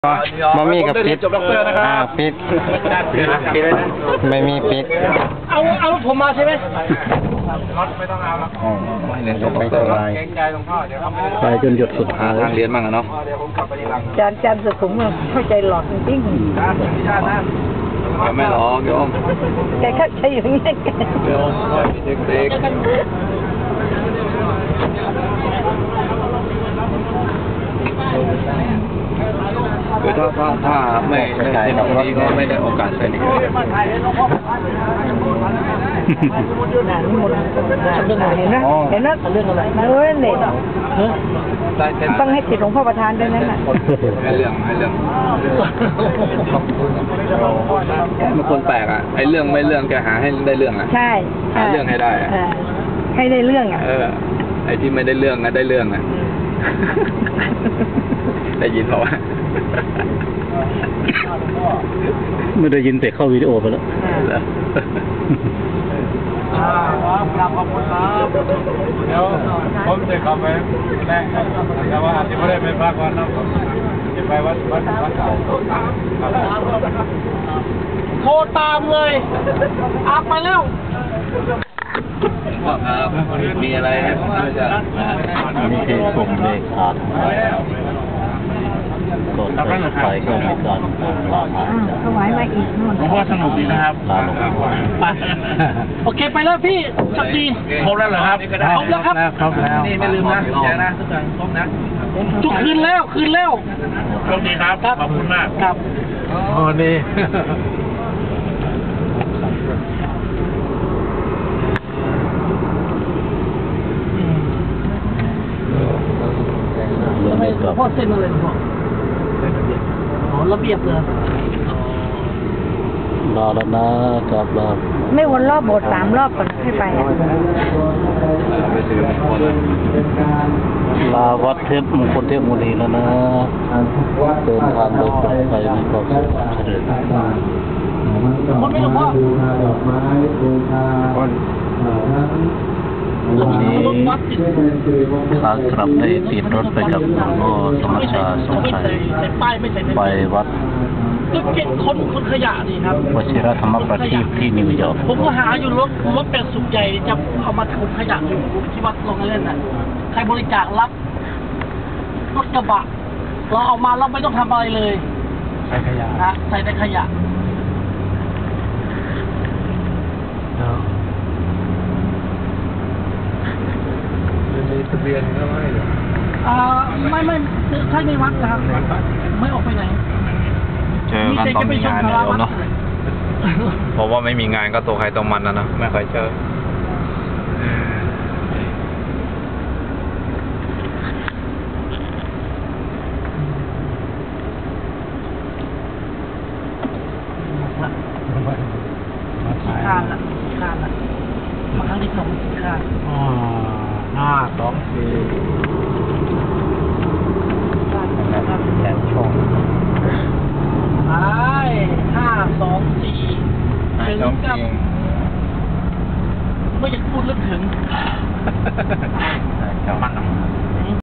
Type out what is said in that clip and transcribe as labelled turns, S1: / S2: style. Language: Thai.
S1: มามีกับปิดปิดไม่มีปิด
S2: เอาผมมาใช่ไหม
S1: ไม่ต้องเอาแล้วไม่เรียนจบไปสบายไปจนหยดสุดท้ายเรียนมั่งอะเนาะ
S3: จานสุขุมเข้าใจหลอกจริงๆ
S1: ไม่หรอกโยม
S3: แกเข้าใจอย่างนี้
S1: โยมเด็กคือถ้าไม่ใช่แบบนี้ก็ไม่ได้โอกาสเป็นอีก
S3: เห็นนะเรื่องอะไรเรื่องเด็กต้องให้ติดหลวงพ่อประธานด้วยนั่นแหละ
S1: ไม่เรื่องมันคนแปลกอ่ะไอ้เรื่องไม่เรื่องแกหาให้ได้เรื่องอ่ะ
S3: ใช่
S1: หาเรื่องให้ได้
S3: ให้ได้เรื่องอ่ะ
S1: ไอ้ที่ไม่ได้เรื่องอะได้เรื่องอ่ะได้ยินเปล่าวะ
S4: ไม่ได้ยินแต่เข้าวิดีโอไปแล้ว
S2: ขอบคุณครับเดี๋ยวผมจะเข้าไปแรกแต่ว่าอาจจะไม่ได้ไปพักวันนั้นจะไปวันเสาร์โทรตามเลยอัพไปแล้ว
S1: มีอะไรให้ผมช่วยจะ
S4: นี่คือส่งเลขขาดก็ไปก็มีการลาหา
S3: ถวายมาอีกนู่น
S2: ว่าสนุกดีนะครับ
S4: ลาลง
S2: ไปโอเคไปแล้วพี่สักทีครบแล้วเหรอครับครบแล้วครับ
S1: ครบแล้วนี่ไม่ลืมนะแจ้งนะทุกคนครบนะ
S2: จุกคืนแล้วโชคดีครับขอบคุณมากครับ
S1: อ๋อนี่
S2: พ่อเส้นอะไรพ่ออ๋อระเบียบเลย
S4: ลาแล้วนะกับลา
S3: ไม่วนรอบโบสถ์3 รอบก่อนให้ไป
S4: ลาวัดเทพมงคลเทพมุนีแล้วนะเดินทางโดยปลอดภัยมีความสุขเจริญ
S2: คนไม่หลวงพ่อ
S4: วันนี้ขากลับได้ติดรถไปกับหลวงพ่อสมชาสมชัยไปวัด
S2: คนขยะนี่ครับ
S4: วชิรธรรมประทีปที่นิวยอร์ก
S2: ผมก็หาอยู่รถเป็นสุขใหญ่จะเอามาถุงขยะอยู่ที่วัดลงเล่นน่ะใครบริจาครับรถกระบะเราเอามาเราไม่ต้องทำอะไรเลย
S1: ใส่ขยะ
S2: นะใส่แต่ขยะ
S1: ทะเบียนก็ไม่
S2: ไม่ใช่ในวัดนะครับไม่ออกไปไหน
S1: เจอกันตอนมีงานเดียวเนาะเพราะว่าไม่มีงานก็ตัวใครตัวมันนะไม่ค่อยเจอ
S2: คานละมาครั้งที่2คาน
S1: 5 2 4แขนช่อง
S2: ไป5 2 4ถึงกับไม่อยากพูดลึกถึง